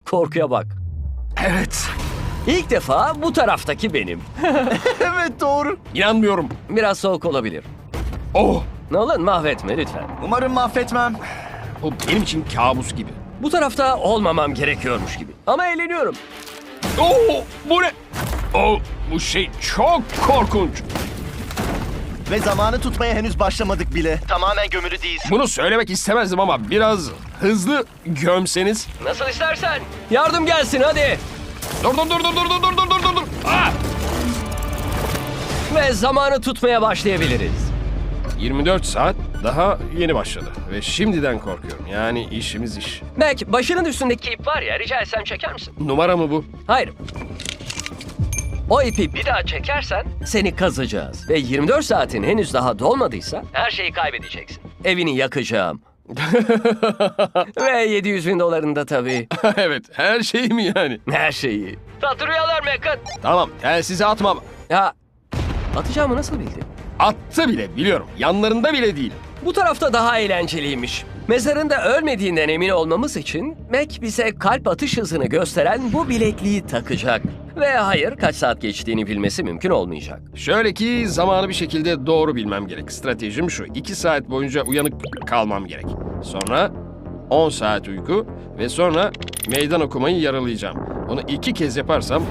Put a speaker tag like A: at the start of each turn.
A: Korkuya bak.
B: Evet.
A: İlk defa bu taraftaki benim.
B: Evet doğru. İnanmıyorum.
A: Biraz soğuk olabilir.
B: Oh.
A: Nolan mahvetme lütfen.
B: Umarım mahvetmem. Bu benim için kabus gibi.
A: Bu tarafta olmamam gerekiyormuş gibi. Ama eğleniyorum.
B: Oh, bu ne? Oh, bu şey çok korkunç.
C: Ve zamanı tutmaya henüz başlamadık bile. Tamamen gömülü değilsin.
B: Bunu söylemek istemezdim ama biraz hızlı gömseniz.
A: Nasıl istersen. Yardım gelsin hadi.
B: Dur. Ah!
A: Ve zamanı tutmaya başlayabiliriz.
B: 24 saat daha yeni başladı ve şimdiden korkuyorum. Yani işimiz iş.
A: Mac, başının üstündeki ip var ya, rica etsem çeker misin?
B: Numara mı bu?
A: Hayır. O ipi bir daha çekersen seni kazacağız. Ve 24 saatin henüz daha dolmadıysa her şeyi kaybedeceksin. Evini yakacağım. Ve 700 bin dolarını da tabii.
B: Evet, her şey mi yani?
A: Her şeyi. Tatlı rüyalar Mac'ın.
B: Tamam, telsizi atmam.
A: Ya atacağımı nasıl bildin?
B: Attı bile biliyorum. Yanlarında bile değil.
A: Bu tarafta daha eğlenceliymiş. Mezarında ölmediğinden emin olmamız için Mac bize kalp atış hızını gösteren bu bilekliği takacak. Ve hayır, kaç saat geçtiğini bilmesi mümkün olmayacak.
B: Şöyle ki zamanı bir şekilde doğru bilmem gerek. Stratejim şu. 2 saat boyunca uyanık kalmam gerek. Sonra 10 saat uyku ve sonra meydan okumayı yaralayacağım. Bunu 2 kez yaparsam